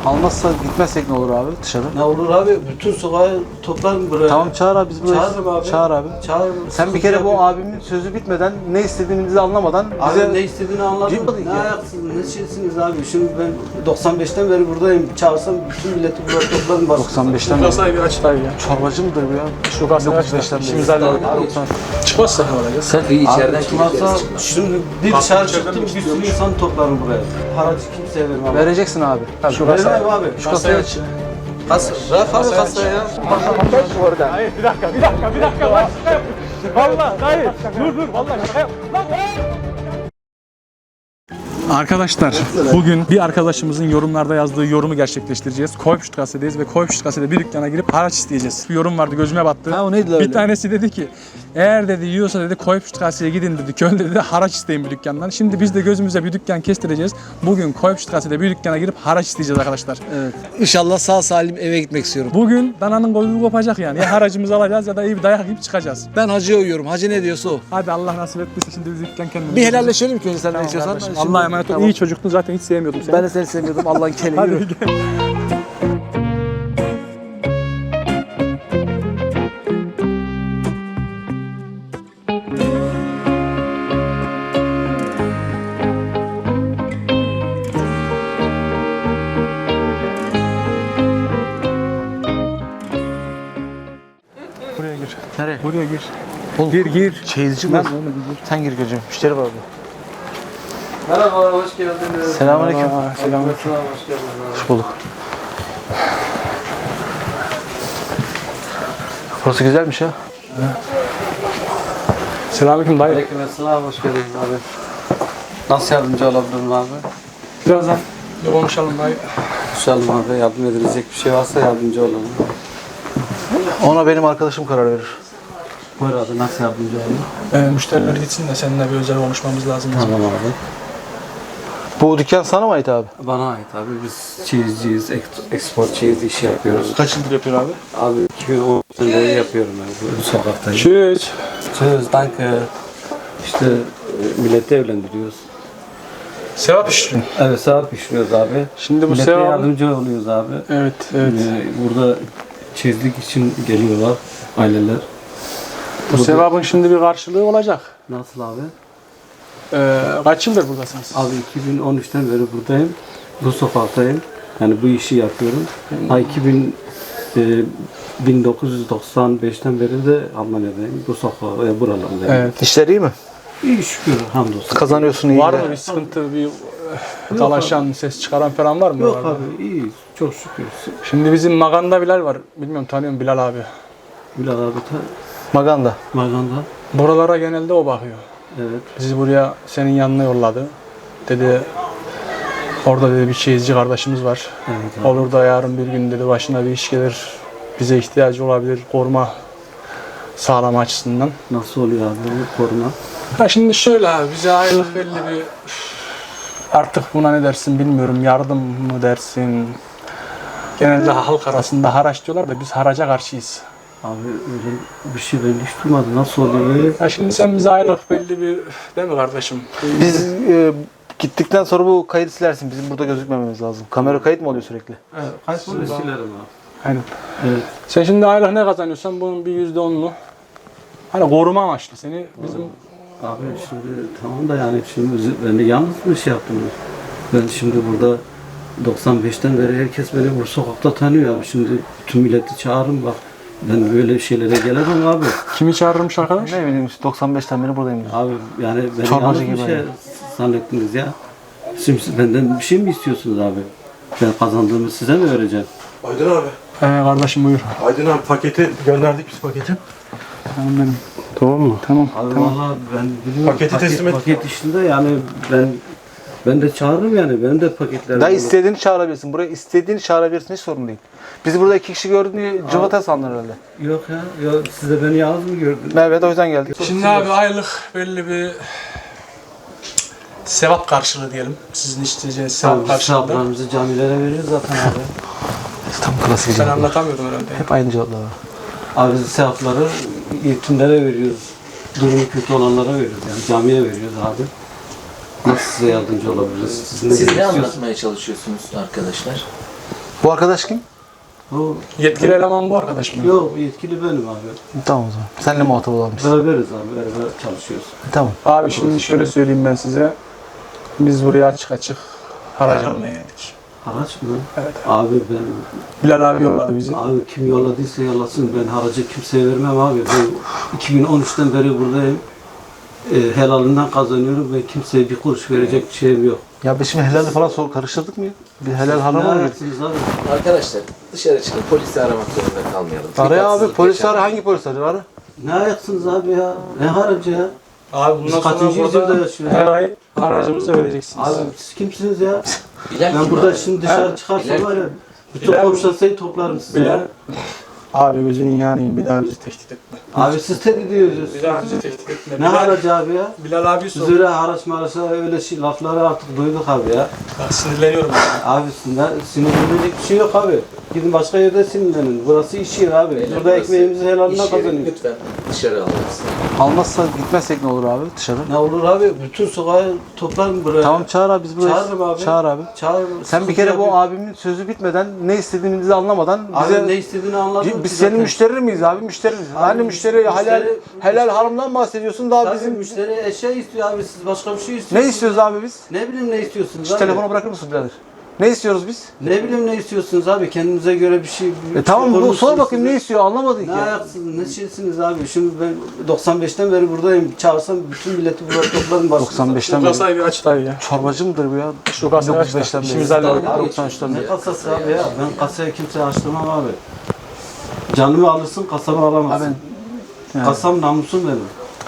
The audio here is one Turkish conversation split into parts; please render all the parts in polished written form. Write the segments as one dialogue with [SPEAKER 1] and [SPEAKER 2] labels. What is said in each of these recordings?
[SPEAKER 1] Almazsa gitmezsek ne olur abi dışarı?
[SPEAKER 2] Ne olur abi? Bütün sokağı toplarım buraya.
[SPEAKER 1] Tamam çağır abi biz buraya.
[SPEAKER 2] Çağırırım abi.
[SPEAKER 1] Çağır abi.
[SPEAKER 2] Çağırırım.
[SPEAKER 1] Sen bir kere bu abimin sözü bitmeden ne istediğimizi anlamadan
[SPEAKER 2] Abi
[SPEAKER 1] bize...
[SPEAKER 2] ne istediğini anladın mı?
[SPEAKER 1] Ciddi
[SPEAKER 2] Ne
[SPEAKER 1] ya.
[SPEAKER 2] ayaksınız, ne şeysiniz abi? Şimdi ben 95'ten beri buradayım. Çağırsam bütün milleti buraya toplarım.
[SPEAKER 1] 95'ten beri.
[SPEAKER 3] Sahibi aç dayı ya.
[SPEAKER 1] Çorbacı mıdır bu ya?
[SPEAKER 3] Şu kasayı aç da
[SPEAKER 1] 95'ten beri.
[SPEAKER 3] işimizi halledelim. Çıkmazsa ne olacak?
[SPEAKER 4] Sen içeriden
[SPEAKER 2] Çıkmazsa şimdi bir
[SPEAKER 3] Kalkıp
[SPEAKER 2] dışarı
[SPEAKER 3] içeriden
[SPEAKER 2] çıktım
[SPEAKER 3] mi
[SPEAKER 2] bir sürü
[SPEAKER 3] istiyormuş?
[SPEAKER 2] insan toplarım buraya. Haracı kimseye vermem.
[SPEAKER 1] Vereceksin abi.
[SPEAKER 3] Şu
[SPEAKER 2] Vermem
[SPEAKER 3] kasayı
[SPEAKER 2] abi.
[SPEAKER 1] Şu kasayı aç.
[SPEAKER 2] Kasa. Bırak abi kasaya ya.
[SPEAKER 3] Hayır bir dakika. Lan şaka yap. Vallahi dayı. Dur vallahi şaka yap. Arkadaşlar bugün bir arkadaşımızın yorumlarda yazdığı yorumu gerçekleştireceğiz. Koypşutkase'deyiz ve Koypşutkase'de bir dükkana girip haraç isteyeceğiz. Bir yorum vardı gözüme battı.
[SPEAKER 1] Ha o neydi lan
[SPEAKER 3] Bir
[SPEAKER 1] öyle?
[SPEAKER 3] tanesi dedi ki eğer dedi yiyorsa dedi Koypşutkase'ye gidin dedi. Köln dedi haraç isteyin bir dükkandan. Şimdi biz de gözümüze bir dükkan kestireceğiz. Bugün Koypşutkase'de bir dükkana girip haraç isteyeceğiz arkadaşlar.
[SPEAKER 1] Evet. İnşallah sağ salim eve gitmek istiyorum.
[SPEAKER 3] Bugün dananın kuyruğu kopacak yani. Ya haracımızı alacağız ya da iyi bir dayak yiyip çıkacağız.
[SPEAKER 1] Ben hacıya uyuyorum. Hacı ne diyorsa o.
[SPEAKER 3] Hadi Allah nasip ettiyse şimdi biz dükkan kendimiz.
[SPEAKER 1] Bir helalleşelim ki önce sen ne
[SPEAKER 3] Tamam
[SPEAKER 1] istiyorsan.
[SPEAKER 3] kardeşim.
[SPEAKER 1] Şimdi-
[SPEAKER 3] Allah'a emanet ol.
[SPEAKER 1] Tamam.
[SPEAKER 3] İyi çocuktun zaten hiç sevmiyordum seni.
[SPEAKER 1] Ben de seni sevmiyordum. Allah'ın keleği.
[SPEAKER 3] Hadi
[SPEAKER 1] Yürü.
[SPEAKER 3] gel. Buraya gir.
[SPEAKER 1] Nereye?
[SPEAKER 3] Buraya gir.
[SPEAKER 1] Oğlum,
[SPEAKER 3] Gir.
[SPEAKER 1] Çeyizci
[SPEAKER 3] Ben
[SPEAKER 1] bu.
[SPEAKER 3] onu gir.
[SPEAKER 1] Sen gir gözüm. Müşteri var orada.
[SPEAKER 2] Merhaba, hoş geldiniz.
[SPEAKER 1] Selamünaleyküm.
[SPEAKER 3] Selamünaleyküm.
[SPEAKER 2] Hoş geldiniz.
[SPEAKER 1] Hoş bulduk. Burası güzelmiş ya.
[SPEAKER 3] Selamünaleyküm dayı.
[SPEAKER 2] Aleykümselam, hoş geldiniz abi. Nasıl yardımcı olabilirim abi?
[SPEAKER 3] Birazdan bir konuşalım dayı.
[SPEAKER 2] İnşallah abi yardım edilecek bir şey varsa yardımcı olalım.
[SPEAKER 1] Ona benim arkadaşım karar verir.
[SPEAKER 2] Buyur abi, nasıl yardımcı olalım?
[SPEAKER 3] Müşteriler gitsin de seninle bir özel konuşmamız lazım.
[SPEAKER 2] Tamam abi.
[SPEAKER 1] Bu dükkan sana mı ait abi?
[SPEAKER 2] Bana ait abi, biz çeyizciyiz, export çeyiz işi yapıyoruz.
[SPEAKER 3] Kaç yıldır yapıyor abi?
[SPEAKER 2] Abi 2010 beri yapıyorum ben bu sokaktayım.
[SPEAKER 3] Çüş.
[SPEAKER 2] Çeyiz, danke. İşte milleti evlendiriyoruz.
[SPEAKER 3] Sevap işliyor.
[SPEAKER 2] Evet, sevap pişiriyoruz abi.
[SPEAKER 3] Şimdi bu
[SPEAKER 2] Millete
[SPEAKER 3] sevabı...
[SPEAKER 2] yardımcı oluyoruz abi.
[SPEAKER 3] Evet, evet.
[SPEAKER 2] Burada çeyizlik için geliyorlar aileler.
[SPEAKER 3] Bu sevabın şimdi bir karşılığı olacak.
[SPEAKER 2] Nasıl abi?
[SPEAKER 3] Kaç yıldır buradasınız?
[SPEAKER 2] Abi 2013'ten beri buradayım. Bu sokaktayım. Yani bu işi yapıyorum. Ha 1995'ten beri de Almanya'dayım. Bu sokakta, buralardayım.
[SPEAKER 3] Evet.
[SPEAKER 1] İşler iyi mi?
[SPEAKER 2] İyi şükür, hamdolsun.
[SPEAKER 1] Kazanıyorsun iyi.
[SPEAKER 3] Var
[SPEAKER 1] de.
[SPEAKER 3] mı bir sıkıntı, bir dalaşan, ses çıkaran falan var mı?
[SPEAKER 2] Yok
[SPEAKER 3] oralarda?
[SPEAKER 2] abi, iyi. Çok şükür.
[SPEAKER 3] Şimdi bizim Maganda Bilal var. Bilmiyorum tanıyor musun Bilal abi?
[SPEAKER 2] Bilal abi ta
[SPEAKER 1] Maganda.
[SPEAKER 2] Maganda.
[SPEAKER 3] Buralara genelde o bakıyor.
[SPEAKER 2] Evet.
[SPEAKER 3] Bizi buraya senin yanına yolladı. Dedi orada dedi bir çeyizci kardeşimiz var.
[SPEAKER 2] Evet abi.
[SPEAKER 3] Olur da yarın bir gün dedi başına bir iş gelir. Bize ihtiyacı olabilir koruma sağlama açısından.
[SPEAKER 2] Nasıl oluyor abi bu koruma?
[SPEAKER 3] Ha şimdi şöyle abi bize aylık belli bir artık buna ne dersin bilmiyorum yardım mı dersin. Genelde halk arasında haraç diyorlar da biz haraca karşıyız.
[SPEAKER 2] Abi öyle bir şey ben hiç duymadım. Nasıl oluyor?
[SPEAKER 3] Ya şimdi sen bize aylık belli bir değil mi kardeşim?
[SPEAKER 1] Biz gittikten sonra bu kaydı silersin. Bizim burada gözükmememiz lazım. Kamera kayıt mı oluyor sürekli?
[SPEAKER 3] Evet, kaç
[SPEAKER 2] Silerim abi.
[SPEAKER 3] Aynen.
[SPEAKER 2] Evet.
[SPEAKER 3] Sen şimdi aylık ne kazanıyorsan bunun bir %10'unu hani koruma amaçlı seni bizim
[SPEAKER 2] Abi şimdi tamam da yani şimdi ben de yalnız bir şey yaptım. Ben şimdi burada 95'ten beri herkes beni bu sokakta tanıyor abi. Şimdi bütün milleti çağırın bak. Ben böyle şeylere gelemem abi.
[SPEAKER 3] kimi çağırırmış arkadaş?
[SPEAKER 1] Ne bileyim 95'ten beri buradayım. diyor.
[SPEAKER 2] Abi yani beni
[SPEAKER 1] Çorbacı
[SPEAKER 2] yalnız bir
[SPEAKER 1] gibi
[SPEAKER 2] şey
[SPEAKER 1] yani.
[SPEAKER 2] zannettiniz ya. Şimdi siz benden bir şey mi istiyorsunuz abi? Ben kazandığımı size mi vereceğim?
[SPEAKER 5] Aydın abi.
[SPEAKER 3] Kardeşim buyur.
[SPEAKER 5] Aydın abi paketi gönderdik biz paketi.
[SPEAKER 3] Tamam benim. Tamam mı? Tamam.
[SPEAKER 2] Abi
[SPEAKER 3] tamam.
[SPEAKER 2] vallahi ben biliyorum.
[SPEAKER 5] Paketi teslim et.
[SPEAKER 2] Paket işinde yani ben de çağırırım yani. Benim de paketlerim.
[SPEAKER 1] Daha
[SPEAKER 2] olur.
[SPEAKER 1] istediğini çağırabilirsin. Buraya istediğini çağırabilirsin. Hiç sorun değil. Bizi burada 2 kişi gördün diye cıvata sandın herhalde.
[SPEAKER 2] Yok ya. Yok, siz de beni yalnız mı gördünüz?
[SPEAKER 1] Evet o yüzden geldik.
[SPEAKER 3] Şimdi abi aylık belli bir sevap karşılığı diyelim. Sizin isteyeceğiniz sevap
[SPEAKER 2] Abi
[SPEAKER 3] karşılığında.
[SPEAKER 2] hesaplarımızı camilere veriyoruz zaten abi.
[SPEAKER 1] Tam klasik
[SPEAKER 3] Ben
[SPEAKER 1] cevap.
[SPEAKER 3] anlatamıyordum herhalde.
[SPEAKER 1] Hep aynı cevaplar var.
[SPEAKER 2] Abi biz sevapları yetimlere veriyoruz. Durumu kötü olanlara veriyoruz. Yani camiye veriyoruz abi. Nasıl size yardımcı olabiliriz?
[SPEAKER 4] Siz ne anlatmaya çalışıyorsunuz arkadaşlar?
[SPEAKER 1] Bu arkadaş kim?
[SPEAKER 2] O,
[SPEAKER 3] Yetkili eleman bu arkadaş mı?
[SPEAKER 2] yok yetkili benim abi.
[SPEAKER 1] Tamam o zaman. Seninle muhatap olalım biz.
[SPEAKER 2] Beraberiz abi, beraber çalışıyoruz.
[SPEAKER 1] Tamam.
[SPEAKER 3] Abi şimdi şöyle söyleyeyim ben size. Biz buraya açık açık haraç almaya geldik.
[SPEAKER 2] Haraç mı?
[SPEAKER 3] Evet.
[SPEAKER 2] Abi ben,
[SPEAKER 3] Bilal abi yolladı bizi.
[SPEAKER 2] abi kim yolladıysa yollasın, ben haracı kimseye vermem abi. Ben 2013'ten beri buradayım. Helalinden kazanıyorum ve kimseye bir kuruş verecek şeyim yok.
[SPEAKER 1] Ya biz şimdi helalli falan karıştırdık mı ya? Bir helal harama mı girdik?
[SPEAKER 2] ayaksınız abi?
[SPEAKER 4] Arkadaşlar dışarı çıkın, polisi aramak zorunda kalmayalım.
[SPEAKER 1] Araya abi
[SPEAKER 4] Dikkatsizlik
[SPEAKER 1] polis
[SPEAKER 4] yaşanır.
[SPEAKER 1] ara, hangi polis arıyor? Ara.
[SPEAKER 2] Ne ayaksınız abi ya? Ne haracı ya?
[SPEAKER 3] Abi
[SPEAKER 2] Biz kaçıncı yüzyılda yaşıyoruz?
[SPEAKER 3] her ay aracımızı vereceksiniz.
[SPEAKER 2] Abi siz kimsiniz ya?
[SPEAKER 4] Bilal
[SPEAKER 2] Ben
[SPEAKER 4] kim
[SPEAKER 2] burada
[SPEAKER 4] abi?
[SPEAKER 2] şimdi dışarı çıkarsam
[SPEAKER 4] Bilal
[SPEAKER 2] var ya, bütün
[SPEAKER 3] Bilal-
[SPEAKER 2] komşu sayı toplarım size.
[SPEAKER 3] Bilal.
[SPEAKER 2] Ya.
[SPEAKER 3] Abi gözünün yanayım, bir daha bizi tehdit etme.
[SPEAKER 2] Abi siz tehdit ediyorsunuz.
[SPEAKER 3] Bir daha bizi tehdit etme.
[SPEAKER 2] Ne haracı abi ya?
[SPEAKER 3] Bilal abi
[SPEAKER 2] Biz
[SPEAKER 3] sor.
[SPEAKER 2] öyle haraç maraşa öyle şey, lafları artık duyduk abi ya.
[SPEAKER 3] Bak sinirleniyorum.
[SPEAKER 2] Abi sinirlenecek bir şey yok abi. Gidin başka yerde sinirlenin. Burası iş yeri abi.
[SPEAKER 4] Beyler,
[SPEAKER 2] Burada
[SPEAKER 4] burası
[SPEAKER 2] ekmeğimizi helalinden
[SPEAKER 4] İş yeri,
[SPEAKER 2] kazanıyoruz.
[SPEAKER 4] lütfen dışarı alırız.
[SPEAKER 1] Almazsa gitmezsek ne olur abi dışarı?
[SPEAKER 2] Ne olur abi? Bütün sokağı toplarım buraya.
[SPEAKER 1] Tamam çağır abi biz buraya.
[SPEAKER 2] Çağırırım abi.
[SPEAKER 1] Çağır abi.
[SPEAKER 2] Çağır.
[SPEAKER 1] Sen bir kere bu abimin sözü bitmeden ne istediğimizi anlamadan
[SPEAKER 2] Abi
[SPEAKER 1] bize
[SPEAKER 2] ne istediğini anladım.
[SPEAKER 1] biz
[SPEAKER 2] ki
[SPEAKER 1] senin
[SPEAKER 2] zaten.
[SPEAKER 1] müşterin miyiz abi? Müşteri miyiz?
[SPEAKER 2] Abi,
[SPEAKER 1] Hani müşteri helal
[SPEAKER 2] müşteri-
[SPEAKER 1] haramdan bahsediyorsun daha
[SPEAKER 2] Tabii
[SPEAKER 1] bizim
[SPEAKER 2] müşteri eşya istiyor abi. Siz başka bir şey istiyorsunuz.
[SPEAKER 1] ne istiyoruz abi biz?
[SPEAKER 2] Ne bileyim ne istiyorsunuz
[SPEAKER 1] Şu
[SPEAKER 2] abi?
[SPEAKER 1] telefonu bırakır mısın birader? Ne istiyoruz biz?
[SPEAKER 2] Ne bileyim ne istiyorsunuz abi? Kendinize göre bir şey...
[SPEAKER 1] Tamam bu
[SPEAKER 2] konuşsunuz
[SPEAKER 1] sor bakayım
[SPEAKER 2] size.
[SPEAKER 1] ne istiyor anlamadık
[SPEAKER 2] Ne
[SPEAKER 1] ya.
[SPEAKER 2] ayaksınız, ne şeysiniz abi? Şimdi ben 95'ten beri buradayım. Çağırsam bütün milleti burada toplarım başınıza.
[SPEAKER 1] 95'ten
[SPEAKER 3] Şu
[SPEAKER 1] beri.
[SPEAKER 3] kasayı bir aç dayı ya.
[SPEAKER 1] Çorbacı mıdır bu ya?
[SPEAKER 3] Şu kasayı aç da
[SPEAKER 1] 95'ten beri.
[SPEAKER 3] işimizi halledelim.
[SPEAKER 2] Abi,
[SPEAKER 1] 93'ten beri.
[SPEAKER 2] ne kasası abi ya? Ben kasaya kimseye açtırmam abi. Canımı alırsın, kasamı alamazsın.
[SPEAKER 1] Abi yani.
[SPEAKER 2] Kasam namusum benim.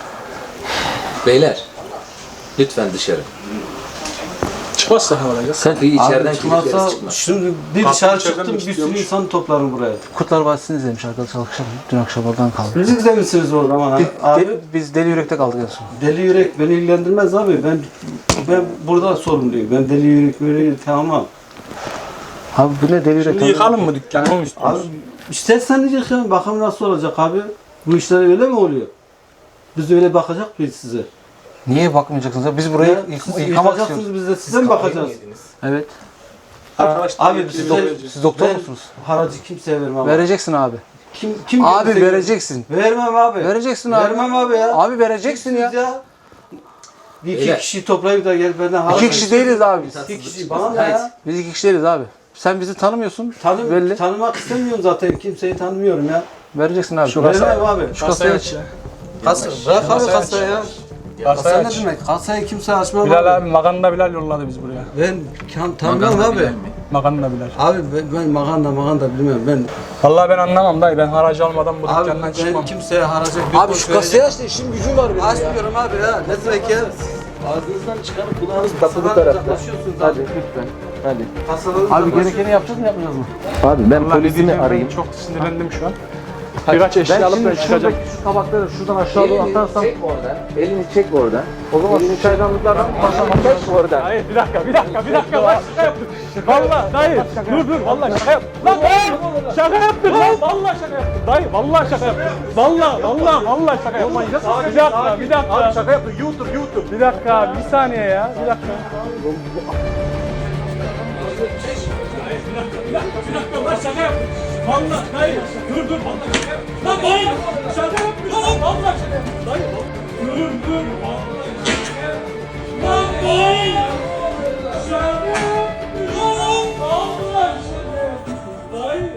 [SPEAKER 4] Beyler, lütfen dışarı.
[SPEAKER 3] Çıkmazsa ne olacak?
[SPEAKER 4] Kapıyı içeriden
[SPEAKER 2] Abi çıkmazsa
[SPEAKER 4] kilitleriz çıkmaz.
[SPEAKER 2] şimdi bir
[SPEAKER 3] Kapıyı
[SPEAKER 2] dışarı
[SPEAKER 3] içeriden
[SPEAKER 2] çıktım
[SPEAKER 3] mi
[SPEAKER 2] bir sürü
[SPEAKER 3] kilitliyormuş?
[SPEAKER 2] insan toplarım buraya.
[SPEAKER 1] Kurtlar Vadisi'ni izlemiş arkadaşlar akşam. Dün akşam oradan kaldı.
[SPEAKER 2] Siz izlemişsiniz o zaman abi.
[SPEAKER 1] Biz Deli Yürek'te kaldık en son.
[SPEAKER 2] Deli yürek beni ilgilendirmez abi. Ben burada sorumluyum. Ben deli yürek böyle tamam.
[SPEAKER 1] Abi bu ne Deli Yürek?
[SPEAKER 3] Şimdi yıkalım mı dükkanı? Ne
[SPEAKER 2] Abi
[SPEAKER 3] istiyorsun?
[SPEAKER 2] istersen diyecek ya bakalım nasıl olacak abi. Bu işler öyle mi oluyor? Biz öyle bakacak mıyız size?
[SPEAKER 1] Niye bakmayacaksınız? abi? Biz burayı
[SPEAKER 2] Siz
[SPEAKER 1] yıkamak
[SPEAKER 2] yıkacaksınız
[SPEAKER 1] istiyoruz.
[SPEAKER 2] biz de size mi bakacağız?
[SPEAKER 1] Evet.
[SPEAKER 3] Arkadaşlar
[SPEAKER 2] Abi
[SPEAKER 3] yetkili
[SPEAKER 2] siz
[SPEAKER 3] olacağız.
[SPEAKER 1] Siz doktor
[SPEAKER 2] Ben
[SPEAKER 1] musunuz?
[SPEAKER 2] Haracı kimseye vermem.
[SPEAKER 1] Vereceksin abi.
[SPEAKER 2] Kim
[SPEAKER 1] Abi
[SPEAKER 2] kimseye-
[SPEAKER 1] vereceksin.
[SPEAKER 2] Vermem abi.
[SPEAKER 1] Vereceksin abi.
[SPEAKER 2] Vermem abi ya.
[SPEAKER 1] Abi vereceksin ya.
[SPEAKER 2] Kimsiniz ya? Bir iki
[SPEAKER 4] Beyler.
[SPEAKER 2] kişi toplayıp da gel benden haraç.
[SPEAKER 1] İki kişi değiliz abi biz.
[SPEAKER 2] İki kişi bana ne ya?
[SPEAKER 1] Biz iki kişi değiliz abi. Sen bizi tanımıyorsun. Belli.
[SPEAKER 2] Tanımak istemiyorum zaten. Kimseyi tanımıyorum ya.
[SPEAKER 1] Vereceksin abi.
[SPEAKER 2] Vermem abi.
[SPEAKER 1] Şu kasayı aç.
[SPEAKER 3] ya.
[SPEAKER 2] Kasa, bırak abi
[SPEAKER 3] Kasayı aç.
[SPEAKER 2] kasayı ya.
[SPEAKER 3] Kasayı
[SPEAKER 2] Kasa ne
[SPEAKER 3] aç.
[SPEAKER 2] demek? Kasayı kimse açmam
[SPEAKER 3] Bilal abi Maganda Bilal yolladı biz buraya.
[SPEAKER 2] Ben tanımam abi.
[SPEAKER 3] Maganda Bilal.
[SPEAKER 2] Abi ben maganda bilmiyorum. Ben
[SPEAKER 3] Vallahi ben anlamam dayı. Ben haracı almadan bu
[SPEAKER 2] abi
[SPEAKER 3] dükkandan
[SPEAKER 2] ben
[SPEAKER 3] çıkmam.
[SPEAKER 2] kimseye haracak
[SPEAKER 1] Abi şu kasayı aç da işim gücüm var benim ya.
[SPEAKER 2] açmıyorum abi ya. Ne demek ya? Ağzınızdan çıkarıp kulağınız kasadan uzaklaşıyorsunuz abi.
[SPEAKER 1] lütfen. Hadi.
[SPEAKER 2] Kasadan
[SPEAKER 1] Abi gerekeni yapacağız mı yapmayacağız mı?
[SPEAKER 6] Abi ben
[SPEAKER 3] Vallahi ne
[SPEAKER 6] polisini
[SPEAKER 3] diyeceğim,
[SPEAKER 6] arayayım.
[SPEAKER 3] ben çok sinirlendim şu an. Birkaç eşya alıp ben çıkacağım.
[SPEAKER 1] Şu tabakları şuradan aşağı doğru atarsam.
[SPEAKER 6] çek oradan. Elini çek oradan.
[SPEAKER 1] O zaman şu çaydanlıklardan başlamak
[SPEAKER 6] Çek oradan.
[SPEAKER 3] Hayır bir dakika lan şaka yaptım. Valla dayı dur valla şaka yaptım. Lan dayı şaka yaptım lan valla şaka yaptım. Dayı valla şaka yaptım. Valla şaka yaptım. Bir dakika. Abi şaka yaptım YouTube. Bir dakika bir saniye ya bir dakika. Lan şaka yaptım. Valla dayı dur valla şaka yaptım. Lan dayı şaka yaptım. Valla şaka yaptım. Dayı dur valla şaka yaptım. Lan dayı şaka yaptım. Valla şaka yaptım. Dayı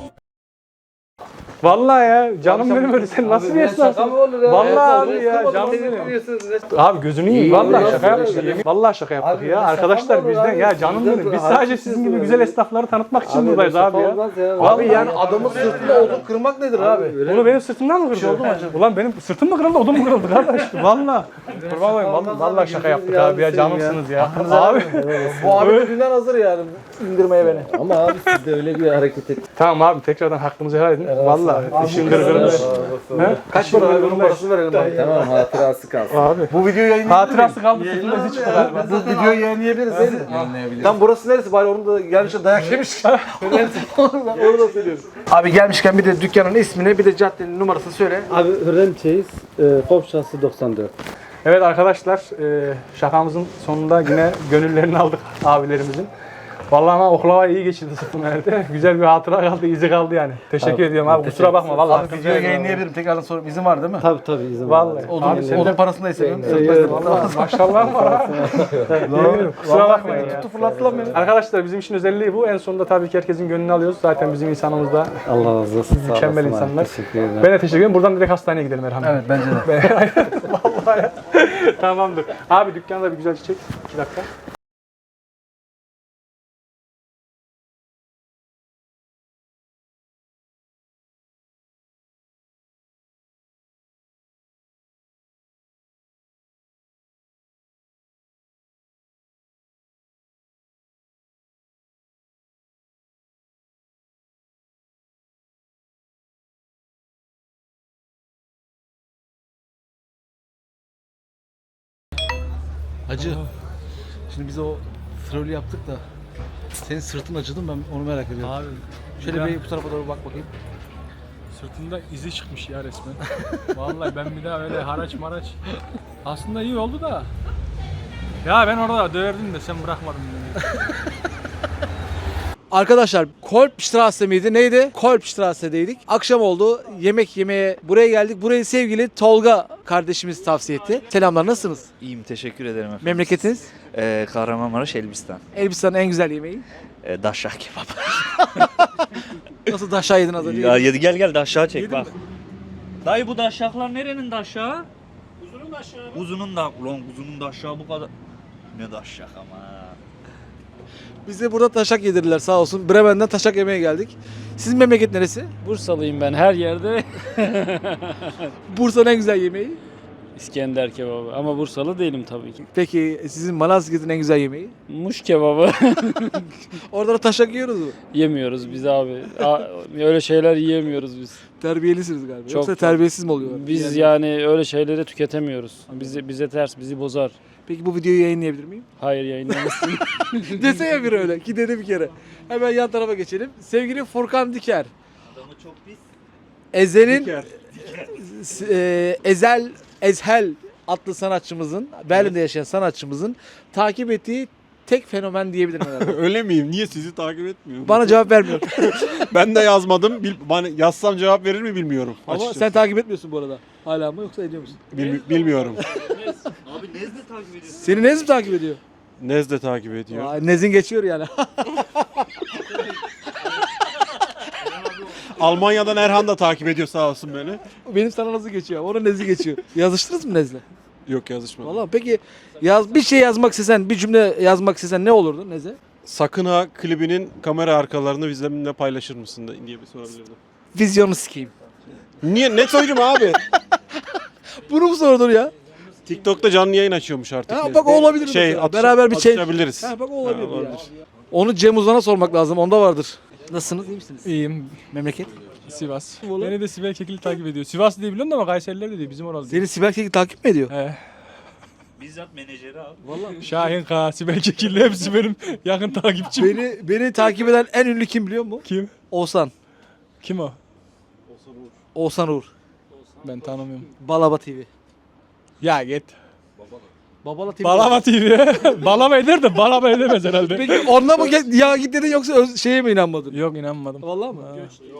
[SPEAKER 3] Vallahi ya canım benim öyle sen nasıl bir esnafsın? Vallahi abi ya canım benim. Abi gözünü yiyeyim. Vallahi şaka yaptık. Vallahi şaka yaptık ya. Arkadaşlar bizden ya canım benim. Biz sadece sizin gibi güzel esnafları tanıtmak için buradayız abi ya.
[SPEAKER 1] Abi yani adamın sırtında odun kırmak nedir abi?
[SPEAKER 3] Bunu benim sırtımdan mı kırdı? Ulan benim sırtım mı kırıldı, odum mu kırıldı kardeş? Valla. Kurban olayım, vallahi şaka yaptık abi ya, canımsınız ya. Abi.
[SPEAKER 1] Bu abi de dünden hazır yani indirmeye beni.
[SPEAKER 6] Ama abi siz de öyle bir hareket et.
[SPEAKER 3] Tamam abi tekrardan hakkımızı helal edin. Vallahi işin gırgırında.
[SPEAKER 1] Kaç para abi bunun parasını verelim bari.
[SPEAKER 6] Tamam hatırası kalsın.
[SPEAKER 3] Abi.
[SPEAKER 1] Bu videoyu yayınlayabilir
[SPEAKER 3] Hatırası kaldı sırtımda izi çıktı galiba.
[SPEAKER 1] Bu videoyu yayınlayabiliriz değil mi? Tam burası neresi bari onu da gelmişler dayak yemiş. Onu da söylüyorum. Abi gelmişken bir de dükkanın ismini bir de caddenin numarasını söyle.
[SPEAKER 2] Abi Hürrem Çeyiz, Kopşası 94.
[SPEAKER 3] Evet arkadaşlar şakamızın sonunda yine gönüllerini aldık abilerimizin. Vallahi ama oklava iyi geçirdi sırtım herhalde. Güzel bir hatıra kaldı, izi kaldı yani. Teşekkür ediyorum abi. Kusura bakma vallahi.
[SPEAKER 1] Abi videoyu yayınlayabilirim. Tekrardan sorayım. İzin var değil mi?
[SPEAKER 2] Tabii izin var.
[SPEAKER 3] Vallahi.
[SPEAKER 1] Odun,
[SPEAKER 3] sen
[SPEAKER 1] odun
[SPEAKER 3] de
[SPEAKER 1] parasını da istemiyorum.
[SPEAKER 3] vallahi maşallah var ha. Yemin kusura bakmayın ya.
[SPEAKER 1] Tuttu fırlattı lan beni.
[SPEAKER 3] Arkadaşlar bizim işin özelliği bu. En sonunda tabii ki herkesin gönlünü alıyoruz. Zaten bizim insanımız da
[SPEAKER 2] Allah razı olsun. Sağ
[SPEAKER 3] mükemmel
[SPEAKER 2] olasın abi.
[SPEAKER 3] insanlar.
[SPEAKER 2] Teşekkür ederim.
[SPEAKER 3] Ben de teşekkür ederim. Buradan direkt hastaneye gidelim Erhan.
[SPEAKER 1] Evet bence de.
[SPEAKER 3] Vallahi. Tamamdır. Abi dükkanda bir güzel çiçek. 2 dakika.
[SPEAKER 1] Hacı. Şimdi biz o trolü yaptık da senin sırtın acıdı mı ben onu merak ediyorum.
[SPEAKER 3] Abi
[SPEAKER 1] Şöyle bir bu tarafa doğru bak bakayım.
[SPEAKER 3] sırtında izi çıkmış ya resmen. Vallahi ben bir daha öyle haraç maraç. Aslında iyi oldu da. Ya ben orada döverdim de sen bırakmadın beni.
[SPEAKER 1] Arkadaşlar Kolbstrasse miydi neydi? Kolbstrasse'deydik. Akşam oldu. Yemek yemeye buraya geldik. Burayı sevgili Tolga kardeşimiz tavsiye etti. Selamlar nasılsınız?
[SPEAKER 7] İyiyim, teşekkür ederim efendim.
[SPEAKER 1] Memleketiniz?
[SPEAKER 7] Kahramanmaraş, Elbistan.
[SPEAKER 1] Elbistan'ın en güzel yemeği.
[SPEAKER 7] Daşşak kebap.
[SPEAKER 1] Nasıl daşağı yedin az önce?
[SPEAKER 7] Ya gel daşşağı çek bak. Dayı bu daşşaklar nerenin daşşağı?
[SPEAKER 3] Uzunun aşağı.
[SPEAKER 7] Uzunun da, ulan uzunun daşşağı bu kadar. Ne daşşak ama.
[SPEAKER 1] Bize burada taşak yedirdiler sağ olsun. Bremen'den taşak yemeye geldik. Sizin memleket neresi?
[SPEAKER 8] Bursalıyım ben her yerde
[SPEAKER 1] Bursa'nın en güzel yemeği.
[SPEAKER 8] İskender kebabı ama Bursalı değilim tabii ki.
[SPEAKER 1] Peki sizin Malazgirt'in en güzel yemeği?
[SPEAKER 8] Muş kebabı
[SPEAKER 1] Orada da taşak yiyoruz mu?
[SPEAKER 8] yemiyoruz biz abi. Öyle şeyler yiyemiyoruz biz.
[SPEAKER 1] Terbiyelisiniz galiba.
[SPEAKER 8] Çok,
[SPEAKER 1] Yoksa
[SPEAKER 8] çok.
[SPEAKER 1] terbiyesiz mi oluyorlar?
[SPEAKER 8] Biz yani öyle şeyleri tüketemiyoruz. Bize ters, bizi bozar.
[SPEAKER 1] Peki bu videoyu yayınlayabilir miyim?
[SPEAKER 8] Hayır yayınlamasın.
[SPEAKER 1] Desene bir öyle. Ki dedi bir kere. Hemen yan tarafa geçelim. Sevgili Furkan Diker.
[SPEAKER 7] Adamı çok pis.
[SPEAKER 1] Ezel'in Ezhel adlı sanatçımızın, Berlin'de yaşayan sanatçımızın takip ettiği tek fenomen diyebilirim herhalde.
[SPEAKER 5] Öyle miyim? Niye sizi takip etmiyorum?
[SPEAKER 1] Bana cevap vermiyor.
[SPEAKER 5] Ben de yazmadım. Bana yazsam cevap verir mi bilmiyorum.
[SPEAKER 1] Ama
[SPEAKER 5] açıkçası.
[SPEAKER 1] sen takip etmiyorsun bu arada. Hala mı yoksa ediyor musun?
[SPEAKER 5] Bilmiyorum.
[SPEAKER 7] Abi Nezle takip ediyorsun.
[SPEAKER 1] Seni Nez mi takip ediyor?
[SPEAKER 5] Nez de takip ediyor.
[SPEAKER 1] Aa, Nez'in geçiyor yani.
[SPEAKER 5] Almanya'dan Erhan da takip ediyor sağ olsun beni.
[SPEAKER 1] Benim sana nasıl geçiyor? Onun Nez'i geçiyor. Yazıştınız mı Nez'le?
[SPEAKER 5] Yok yazışmadım.
[SPEAKER 1] Vallahi peki bir şey yazmak istesen, bir cümle yazmak istesen ne olurdu Nez'e?
[SPEAKER 5] Sakın ha klibinin kamera arkalarını bizimle paylaşır mısın diye bir sorabilirdim.
[SPEAKER 1] Vizyonu sikeyim.
[SPEAKER 5] Niye? Ne söyleyeyim abi?
[SPEAKER 1] Bunu mu sordun ya?
[SPEAKER 5] TikTok'ta canlı yayın açıyormuş artık.
[SPEAKER 1] Ha, bak o olabilir mesela. Beraber bir şey-
[SPEAKER 5] atışabiliriz.
[SPEAKER 1] Ha bak o olabilir,
[SPEAKER 5] Ha, olabilir.
[SPEAKER 1] ya. Onu Cem Uzan'a sormak lazım. Onda vardır. Nasılsınız? İyi misiniz?
[SPEAKER 3] İyiyim.
[SPEAKER 1] Memleket?
[SPEAKER 3] Sivas. Beni de Sibel Kekilli takip ediyor. Sivas diye biliyorum da ama Kayseriler de değil. Bizim oralı değil.
[SPEAKER 1] Seni Sibel Kekil takip mi ediyor?
[SPEAKER 7] Bizzat menajeri abi.
[SPEAKER 3] Şahin K, Sibel Kekilli hepsi benim yakın takipçim.
[SPEAKER 1] Beni takip eden en ünlü kim biliyor musun?
[SPEAKER 3] Kim?
[SPEAKER 1] Oğuzhan.
[SPEAKER 3] Kim o?
[SPEAKER 1] Oğuzhan Uğur.
[SPEAKER 3] Ben tanımıyorum.
[SPEAKER 1] Balaba TV.
[SPEAKER 3] Ya git.
[SPEAKER 1] Babala TV.
[SPEAKER 3] Balama TV. Balama eder de balama edemez herhalde.
[SPEAKER 1] Peki onunla mı ya git dedin yoksa şeye mi inanmadın?
[SPEAKER 3] Yok inanmadım.
[SPEAKER 1] Vallahi mı?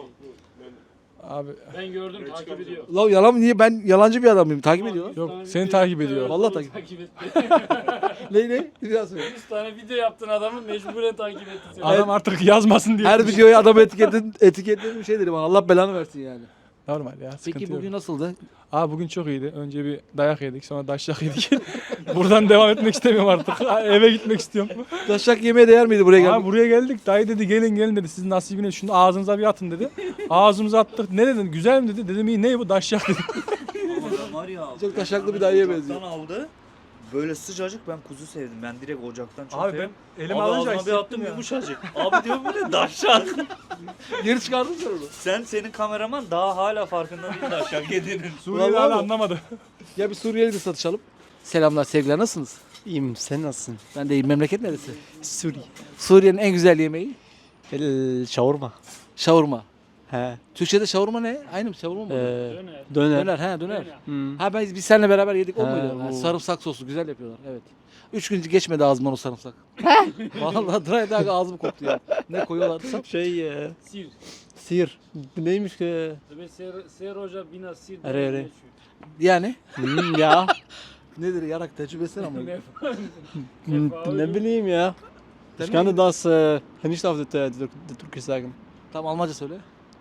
[SPEAKER 3] Abi
[SPEAKER 8] Ben gördüm takip ediyor.
[SPEAKER 1] La yalan mı? Niye? Ben yalancı bir adam mıyım? Takip ediyor lan.
[SPEAKER 3] yok seni takip ediyor.
[SPEAKER 1] Vallahi takip.
[SPEAKER 8] Takip etti.
[SPEAKER 1] Ne? Bir daha söyle.
[SPEAKER 8] 100 tane video yaptın adamı mecburen takip etti seni.
[SPEAKER 3] Adam artık yazmasın diye.
[SPEAKER 1] Her videoya adamı etiketledim bir şey dedim. Allah belanı versin yani.
[SPEAKER 3] Normal ya sıkıntı
[SPEAKER 1] Peki
[SPEAKER 3] yok.
[SPEAKER 1] bugün nasıldı?
[SPEAKER 3] Abi bugün çok iyiydi. Önce bir dayak yedik sonra daşyak yedik. Buradan devam etmek istemiyorum artık. Eve gitmek istiyorum.
[SPEAKER 1] Taşak yemeye değer miydi buraya
[SPEAKER 3] Abi
[SPEAKER 1] gelmek?
[SPEAKER 3] buraya geldik. Dayı dedi gelin dedi. Sizin nasibine şunu ağzınıza bir atın dedi. Ağzımıza attık. Ne dedin? Güzel mi dedi. Dedim iyi ne bu daşyak dedi.
[SPEAKER 7] Adam var ya.
[SPEAKER 1] Çok taşaklı bir dayıya benziyor.
[SPEAKER 7] Ocaktan aldı. Böyle sıcacık, ben kuzu sevdim. Ben direkt ocaktan çok
[SPEAKER 3] Abi
[SPEAKER 7] sevdim.
[SPEAKER 3] ben elime
[SPEAKER 7] Abi
[SPEAKER 3] alınca
[SPEAKER 7] ağzıma bir
[SPEAKER 3] hissettim
[SPEAKER 7] attım
[SPEAKER 3] ya.
[SPEAKER 7] yumuşacık. Abi diyor bu ne daşşak.
[SPEAKER 1] Geri çıkardın sen onu.
[SPEAKER 7] Senin kameraman daha hala farkında değil daşşak yediğinin.
[SPEAKER 3] Suriyeli
[SPEAKER 1] Vallahi
[SPEAKER 3] hala
[SPEAKER 1] mi?
[SPEAKER 3] anlamadı.
[SPEAKER 1] Ya bir Suriyeli de satışalım. Selamlar sevgiler nasılsınız?
[SPEAKER 9] İyiyim, sen nasılsın?
[SPEAKER 1] Ben de iyiyim. Memleket neresi?
[SPEAKER 9] Suriye.
[SPEAKER 1] Suriye'nin en güzel yemeği?
[SPEAKER 9] Şavurma.
[SPEAKER 1] Şavurma.
[SPEAKER 9] He.
[SPEAKER 1] Türkçe'de şavurma ne? Aynı mı? Şavurma mı?
[SPEAKER 8] Döner.
[SPEAKER 9] Döner.
[SPEAKER 1] Döner.
[SPEAKER 9] Hmm.
[SPEAKER 1] Ha biz seninle beraber yedik o
[SPEAKER 9] Ha,
[SPEAKER 1] muydu? Ha,
[SPEAKER 9] o.
[SPEAKER 1] sarımsak soslu güzel yapıyorlar. Evet. 3 gün geçmedi ağzımdan o sarımsak. Vallahi dry ağzım koktu ya. Ne koyuyorlardı sen?
[SPEAKER 8] Sir.
[SPEAKER 9] Sir. Neymiş ki?
[SPEAKER 8] Ser hoca bina sir.
[SPEAKER 9] Öyle öyle.
[SPEAKER 1] Yani
[SPEAKER 9] Ya.
[SPEAKER 1] nedir yarak tecrübesine ama.
[SPEAKER 9] Ne bileyim ya. Ich kann das nicht auf der Türkisch sagen.
[SPEAKER 1] Tam Almanca söyle.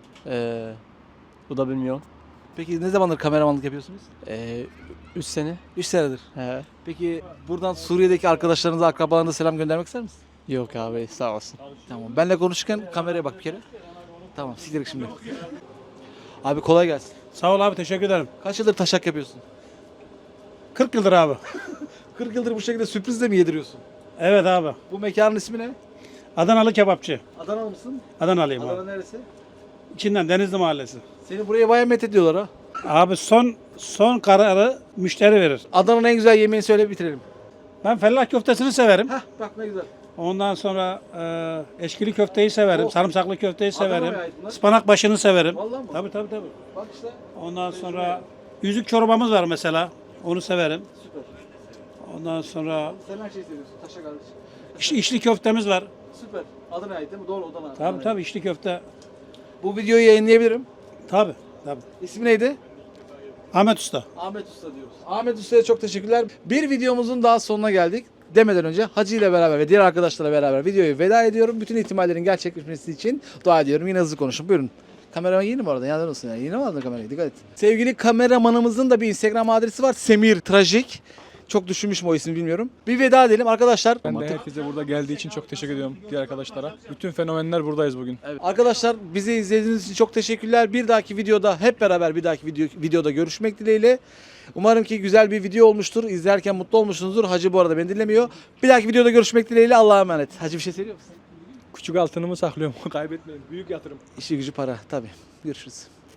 [SPEAKER 9] Bu da bilmiyorum.
[SPEAKER 1] Peki ne zamandır kameramanlık yapıyorsunuz?
[SPEAKER 9] 3 sene.
[SPEAKER 1] 3 senedir.
[SPEAKER 9] He.
[SPEAKER 1] Peki buradan Suriye'deki arkadaşlarınıza, akrabalarınıza selam göndermek ister misin?
[SPEAKER 9] Yok abi sağ olsun.
[SPEAKER 1] Tamam. Benle konuşurken kameraya bak bir kere. Tamam. Siktir şimdi. Abi kolay gelsin.
[SPEAKER 3] Sağ ol abi, teşekkür ederim.
[SPEAKER 1] Kaç yıldır taşak yapıyorsun?
[SPEAKER 3] 40 yıldır abi.
[SPEAKER 1] 40 yıldır bu şekilde sürprizle mi yediriyorsun?
[SPEAKER 3] Evet abi.
[SPEAKER 1] Bu mekanın ismi ne?
[SPEAKER 3] Adanalı kebapçı.
[SPEAKER 1] Adanalı mısın?
[SPEAKER 3] Adanalıyım
[SPEAKER 1] Adana
[SPEAKER 3] abi.
[SPEAKER 1] neresi?
[SPEAKER 3] İçinden Denizli Mahallesi.
[SPEAKER 1] Seni buraya bayağı met ediyorlar ha.
[SPEAKER 3] Abi son kararı müşteri verir.
[SPEAKER 1] Adana'nın en güzel yemeğini söyle bitirelim.
[SPEAKER 3] Ben fellah köftesini severim.
[SPEAKER 1] Hah bak ne güzel.
[SPEAKER 3] Ondan sonra eşkili köfteyi severim.
[SPEAKER 1] Oh.
[SPEAKER 3] Sarımsaklı köfteyi
[SPEAKER 1] Adana'ya
[SPEAKER 3] severim.
[SPEAKER 1] ait bunlar.
[SPEAKER 3] Ispanak başını severim.
[SPEAKER 1] Vallahi mi?
[SPEAKER 3] Tabii.
[SPEAKER 1] Bak işte.
[SPEAKER 3] Ondan sonra yüzük çorbamız var mesela. Onu severim.
[SPEAKER 1] Süper.
[SPEAKER 3] Ondan sonra
[SPEAKER 1] Sen her şeyi seviyorsun. Taşak kardeşim.
[SPEAKER 3] içli köftemiz var.
[SPEAKER 1] Süper. Adana'ya ait değil mi? Doğru Adana.
[SPEAKER 3] Tabii içli köfte.
[SPEAKER 1] Bu videoyu yayınlayabilirim.
[SPEAKER 3] Tabii.
[SPEAKER 1] İsmi neydi?
[SPEAKER 3] Ahmet Usta.
[SPEAKER 1] Ahmet Usta diyoruz. Ahmet Usta'ya çok teşekkürler. Bir videomuzun daha sonuna geldik. Demeden önce Hacı ile beraber ve diğer arkadaşlarla beraber videoyu veda ediyorum. Bütün ihtimallerin gerçekleşmesi için dua ediyorum. Yine hızlı konuşun. Buyurun. Kameraman yeni mi orada? Yandan olsun yani. Yeni mi aldın kamerayı? Dikkat et. Sevgili kameramanımızın da bir Instagram adresi var. Semir Trajik. Çok düşünmüşüm o ismi bilmiyorum. Bir veda edelim arkadaşlar.
[SPEAKER 10] Ben de herkese burada geldiği için çok teşekkür ediyorum diğer arkadaşlara. Bütün fenomenler buradayız bugün.
[SPEAKER 1] Evet. Arkadaşlar bizi izlediğiniz için çok teşekkürler. Bir dahaki videoda hep beraber bir dahaki videoda görüşmek dileğiyle. Umarım ki güzel bir video olmuştur. İzlerken mutlu olmuşsunuzdur. Hacı bu arada beni dinlemiyor. Bir dahaki videoda görüşmek dileğiyle. Allah'a emanet. Hacı bir şey söylüyor musun?
[SPEAKER 10] Küçük altınımı saklıyorum. Kaybetmeyin. Büyük yatırım.
[SPEAKER 1] İşi gücü para tabii. Görüşürüz.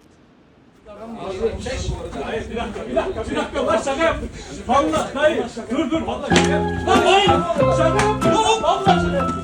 [SPEAKER 3] Bir dakika. Lan şaka yaptım. Vallahi dayı. Dur. Vallahi şaka yaptım. Lan dayı. Şaka yaptım. Vallahi şaka yaptım.